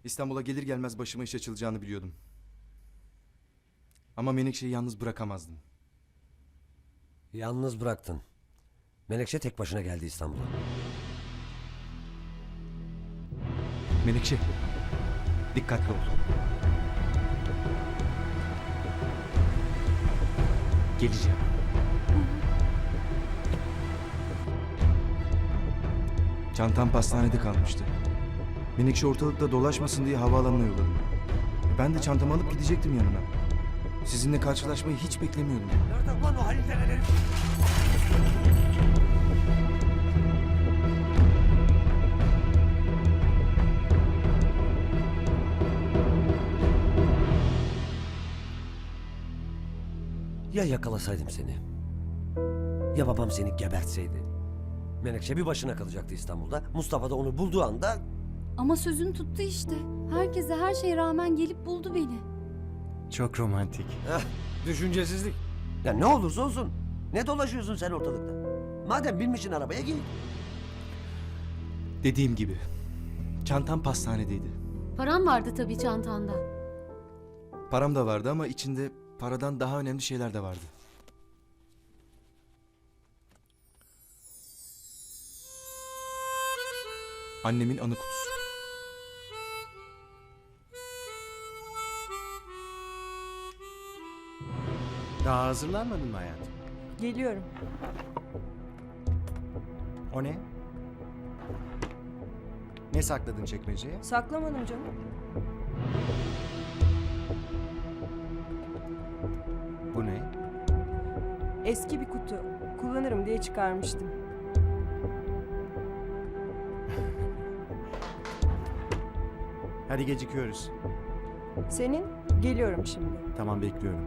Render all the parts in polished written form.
İstanbul'a gelir gelmez başıma iş açılacağını biliyordum. Ama Menekşe'yi yalnız bırakamazdım. Yalnız bıraktın. Menekşe tek başına geldi İstanbul'a. Menekşe, dikkatli ol. Geleceğim. Çantam pastanede kalmıştı. Menekşe ortalıkta dolaşmasın diye havaalanına yolladım. Ben de çantamı alıp gidecektim yanına. Sizinle karşılaşmayı hiç beklemiyordum. Nerede ulan o Halil denen herif? Ya yakalasaydım seni? Ya babam seni gebertseydi? Menekşe bir başına kalacaktı İstanbul'da. Mustafa da onu bulduğu anda... Ama sözünü tuttu işte. Herkese her şeye rağmen gelip buldu beni. Çok romantik. Düşüncesizlik. Ya ne olursa olsun. Ne dolaşıyorsun sen ortalıkta? Madem binmişsin arabaya git. Dediğim gibi, çantam pastanedeydi. Param vardı tabii çantanda. Param da vardı ama içinde paradan daha önemli şeyler de vardı. Annemin anı kutusu. Daha hazırlanmadın mı hayatım? Geliyorum. O ne? Ne sakladın çekmeceye? Saklamadım canım. Bu ne? Eski bir kutu. Kullanırım diye çıkarmıştım. Hadi gecikiyoruz. Senin? Geliyorum şimdi. Tamam, bekliyorum.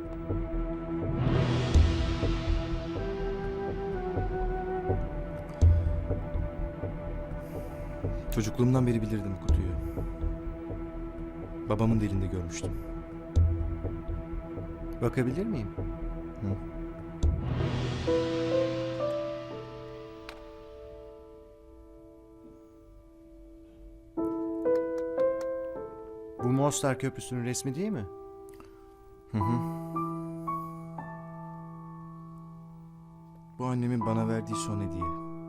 Çocukluğumdan beri bilirdim kutuyu. Babamın da elinde görmüştüm. Bakabilir miyim? Hı. Bu Mostar Köprüsü'nün resmi değil mi? Hı hı. Bu annemin bana verdiği son hediye.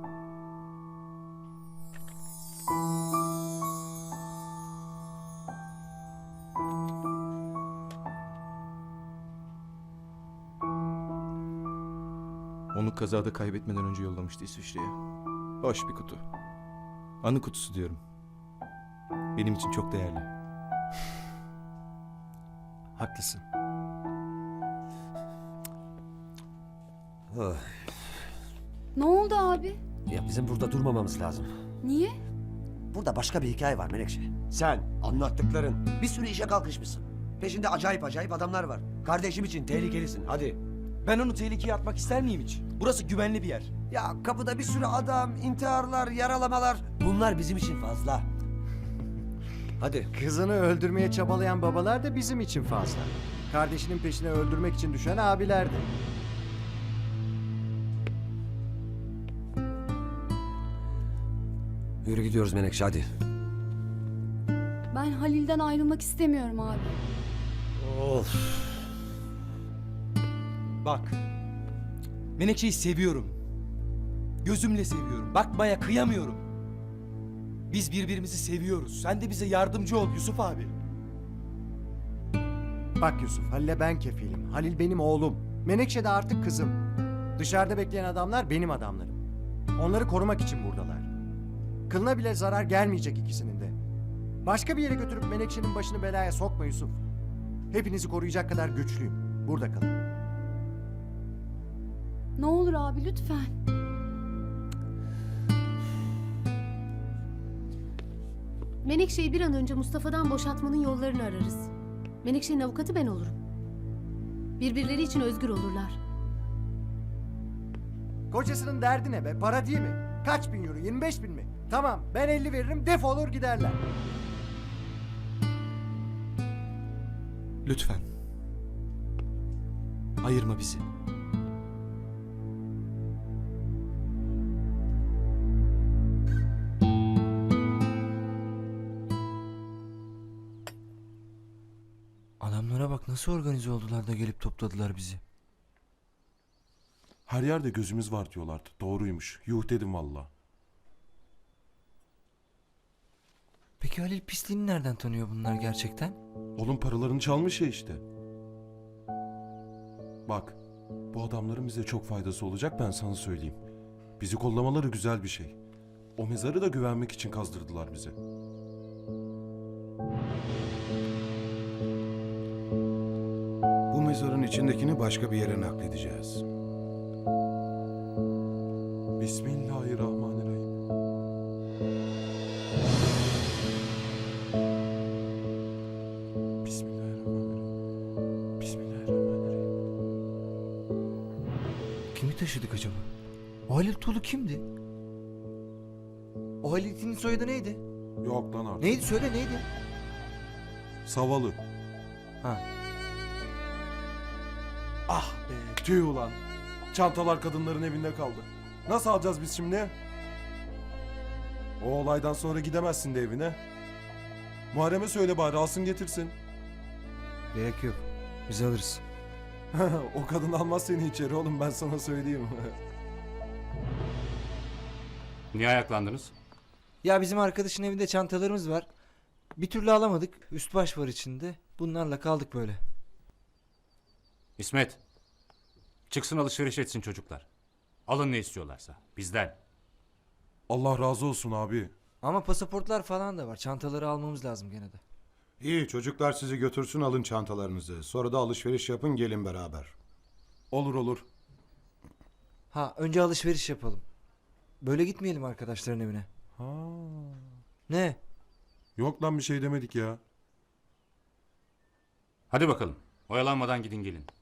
Onu kazada kaybetmeden önce yollamıştı İsviçre'ye. Hoş bir kutu. Anı kutusu diyorum. Benim için çok değerli. Haklısın. Oh. Ne oldu abi? Ya bizim burada durmamamız lazım. Niye? Burada başka bir hikaye var Menekşe. Sen, anlattıkların. Bir sürü işe kalkışmışsın. Peşinde acayip acayip adamlar var. Kardeşim için tehlikelisin, hadi. Ben onu tehlikeye atmak ister miyim hiç? Burası güvenli bir yer. Ya kapıda bir sürü adam, intiharlar, yaralamalar. Bunlar bizim için fazla. Hadi. Kızını öldürmeye çabalayan babalar da bizim için fazla. Kardeşinin peşine öldürmek için düşen abiler de. Yürü gidiyoruz Menekşe, hadi. Ben Halil'den ayrılmak istemiyorum abi. Of. Bak. Menekşe'yi seviyorum. Gözümle seviyorum. Bakmaya kıyamıyorum. Biz birbirimizi seviyoruz. Sen de bize yardımcı ol Yusuf abi. Bak Yusuf, Halil'e ben kefilim. Halil benim oğlum. Menekşe de artık kızım. Dışarıda bekleyen adamlar benim adamlarım. Onları korumak için buradalar. Kılına bile zarar gelmeyecek ikisinin de. Başka bir yere götürüp Menekşe'nin başını belaya sokma Yusuf. Hepinizi koruyacak kadar güçlüyüm. Burada kalın. Ne olur abi lütfen. Menekşe'yi bir an önce Mustafa'dan boşaltmanın yollarını ararız. Menekşe'nin avukatı ben olurum. Birbirleri için özgür olurlar. Kocasının derdi ne be? Para değil mi? Kaç bin euro? 25 bin mi? Tamam, ben 50 veririm, defolur giderler. Lütfen. Ayırma bizi. Nasıl organize oldular da gelip topladılar bizi? Her yerde gözümüz var diyorlardı. Doğruymuş. Yuh dedim valla. Peki Halil pisliğini nereden tanıyor bunlar gerçekten? Oğlum paralarını çalmış ya işte. Bak, bu adamların bize çok faydası olacak, ben sana söyleyeyim. Bizi kollamaları güzel bir şey. O mezarı da güvenmek için kazdırdılar bize. Bu mezarın içindekini başka bir yere nakledeceğiz. Bismillahirrahmanirrahim. Bismillahirrahmanirrahim. Bismillahirrahmanirrahim. Kimi taşıdık acaba? O Halil Tuğlu kimdi? O Halil'in soyadı neydi? Yok lan artık. Neydi söyle neydi? Savalı. Ha. Ah be, tüh ulan. Çantalar kadınların evinde kaldı. Nasıl alacağız biz şimdi? O olaydan sonra gidemezsin de evine. Muharrem'e söyle bari alsın getirsin. Gerek yok. Biz alırız. O kadın almaz seni içeri oğlum, ben sana söyleyeyim. Niye ayaklandınız? Ya bizim arkadaşın evinde çantalarımız var. Bir türlü alamadık. Üst baş var içinde. Bunlarla kaldık böyle. İsmet, çıksın alışveriş etsin çocuklar. Alın ne istiyorlarsa, bizden. Allah razı olsun abi. Ama pasaportlar falan da var. Çantaları almamız lazım gene de. İyi, çocuklar sizi götürsün, alın çantalarınızı. Sonra da alışveriş yapın, gelin beraber. Olur olur. Ha önce alışveriş yapalım. Böyle gitmeyelim arkadaşların evine. Ha. Ne? Yok lan, bir şey demedik ya. Hadi bakalım, oyalanmadan gidin gelin.